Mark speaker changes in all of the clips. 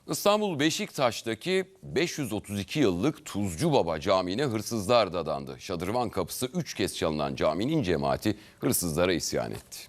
Speaker 1: İstanbul Beşiktaş'taki 532 yıllık Tuzcu Baba Camii'ne hırsızlar dadandı. Şadırvan kapısı 3 kez çalınan caminin cemaati hırsızlara isyan etti.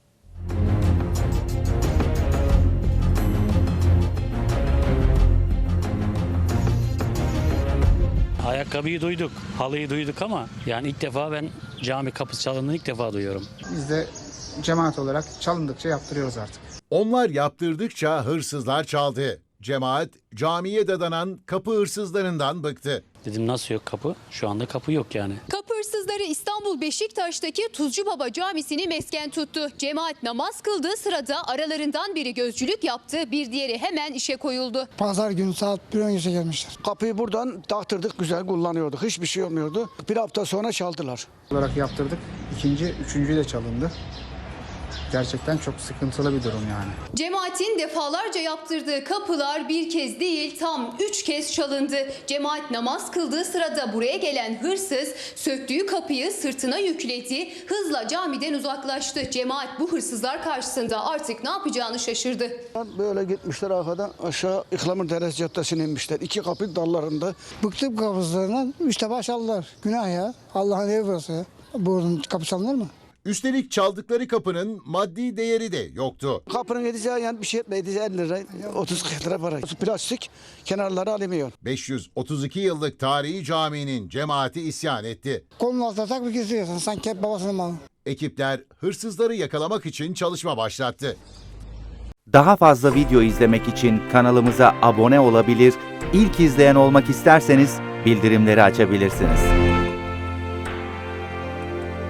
Speaker 2: Ayakkabıyı duyduk, halıyı duyduk ama yani ilk defa ben cami kapısı çalındığını ilk defa duyuyorum.
Speaker 3: Biz de cemaat olarak çalındıkça yaptırıyoruz artık.
Speaker 4: Onlar yaptırdıkça hırsızlar çaldı. Cemaat camiye dadanan kapı hırsızlarından bıktı.
Speaker 2: Dedim nasıl yok kapı? Şu anda kapı yok yani.
Speaker 5: Kapı hırsızları İstanbul Beşiktaş'taki Tuzcu Baba Camisi'ni mesken tuttu. Cemaat namaz kıldığı sırada aralarından biri gözcülük yaptı, bir diğeri hemen işe koyuldu.
Speaker 6: Pazar günü saat 1 öncesi gelmişler.
Speaker 7: Kapıyı buradan taktırdık, güzel kullanıyorduk. Hiçbir şey olmuyordu. Bir hafta sonra çaldılar.
Speaker 3: Olarak yaptırdık. İkinci, üçüncü de çalındı. Gerçekten çok sıkıntılı bir durum yani.
Speaker 5: Cemaatin defalarca yaptırdığı kapılar bir kez değil tam 3 kez çalındı. Cemaat namaz kıldığı sırada buraya gelen hırsız söktüğü kapıyı sırtına yükledi, hızla camiden uzaklaştı. Cemaat bu hırsızlar karşısında artık ne yapacağını şaşırdı.
Speaker 7: Böyle gitmişler arkadan aşağı İhlamur Deresi Caddesi'ne inmişler. İki kapı dallarında.
Speaker 6: Bıktım kapısından 3 defa çaldılar. Günah ya. Allah'ın evi burası ya. Buradan kapı çalınır mı?
Speaker 4: Üstelik çaldıkları kapının maddi değeri de yoktu.
Speaker 7: Kapının edeceği yani bir şey etmedi. 50 lira, 30-40 lira para. Plastik, kenarları alüminyum.
Speaker 4: 532 yıllık tarihi caminin cemaati isyan etti.
Speaker 6: Kolun altına tak bir geziyorsun. Sanki hep babasının malı.
Speaker 4: Ekipler hırsızları yakalamak için çalışma başlattı.
Speaker 8: Daha fazla video izlemek için kanalımıza abone olabilir, ilk izleyen olmak isterseniz bildirimleri açabilirsiniz.